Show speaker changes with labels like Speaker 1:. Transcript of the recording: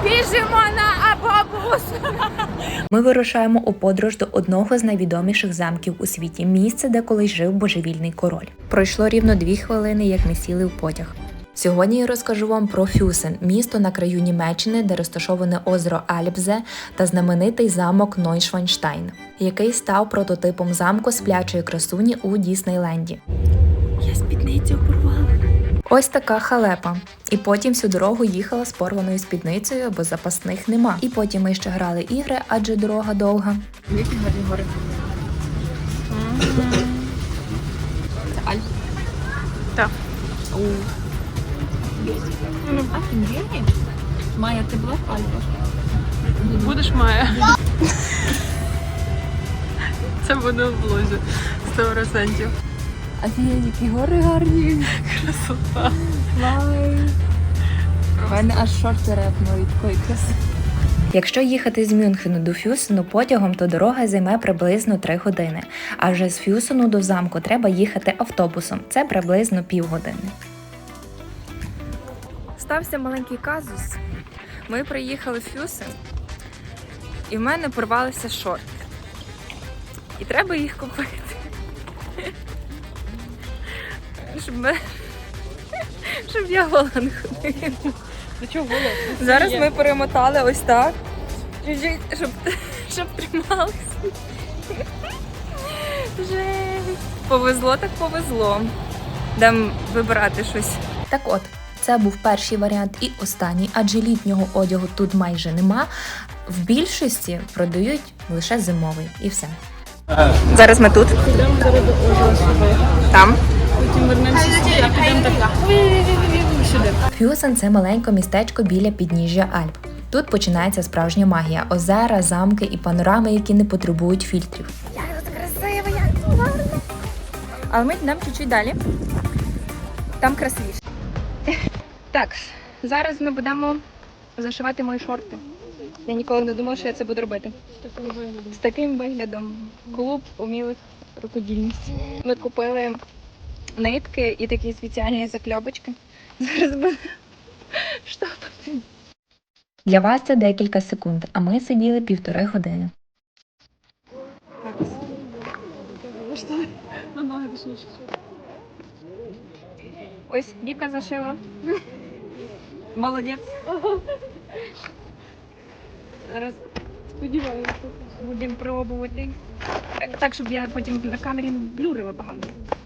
Speaker 1: Біжимо на автобус!
Speaker 2: Ми вирушаємо у подорож до одного з найвідоміших замків у світі – місце, де колись жив божевільний король. Пройшло рівно 2 хвилини, як ми сіли в потяг. Сьогодні я розкажу вам про Фюсен – місто на краю Німеччини, де розташоване озеро Альбзе та знаменитий замок Нойшванштайн, який став прототипом замку сплячої красуні у Діснейленді.
Speaker 1: Я спідницю порвала.
Speaker 2: Ось така халепа. І потім всю дорогу їхала з порваною спідницею, бо запасних нема. І потім ми ще грали ігри, адже дорога довга.
Speaker 1: Які гарні гори. Це Альп. Так. Офігенні. Майя, ти була в Альпах?
Speaker 3: Будеш Майя? Це буде в блозі 100%.
Speaker 1: Офігенні, які гори гарні.
Speaker 3: Красота.
Speaker 1: Вай. У мене аж шорти репнули від такої краси.
Speaker 2: Якщо їхати з Мюнхену до Фюсену потягом, то дорога займе приблизно 3 години. А вже з Фюсену до замку треба їхати автобусом. Це приблизно півгодини.
Speaker 1: Стався маленький казус. Ми приїхали в Фюсен, і в мене порвалися шорти. І треба їх купити. Щоб я гола не ходила.
Speaker 3: До чого голос?
Speaker 1: Зараз ми перемотали ось так, щоб трималися. Жесть. Повезло так повезло. Дам вибирати щось.
Speaker 2: Так от, це був перший варіант і останній, адже літнього одягу тут майже нема. В більшості продають лише зимовий і все.
Speaker 1: Зараз ми тут.
Speaker 3: Підемо зараз до озера сюди.
Speaker 1: Там.
Speaker 3: Потім вернемося сюди, а підемо так сюди.
Speaker 2: Фюсен – це маленьке містечко біля підніжжя Альп. Тут починається справжня магія – озера, замки і панорами, які не потребують фільтрів.
Speaker 1: Як тут красиво, як тут гарно. Але ми йдемо чуть-чуть далі. Там красивіше. Так, зараз ми будемо зашивати мої шорти. Я ніколи не думала, що я це буду робити. З таким виглядом. Клуб умілих рукодільниць. Ми купили нитки і такі спеціальні закльопочки. Зараз будемо штопати.
Speaker 2: Для вас це декілька секунд, а ми сиділи 1,5 години.
Speaker 3: На ноги точніше.
Speaker 1: Ось Віка зашила. Молодець. Зараз
Speaker 3: Сподіваюся.
Speaker 1: будемо пробувати. Так, щоб я потім на камері не блюрила багато.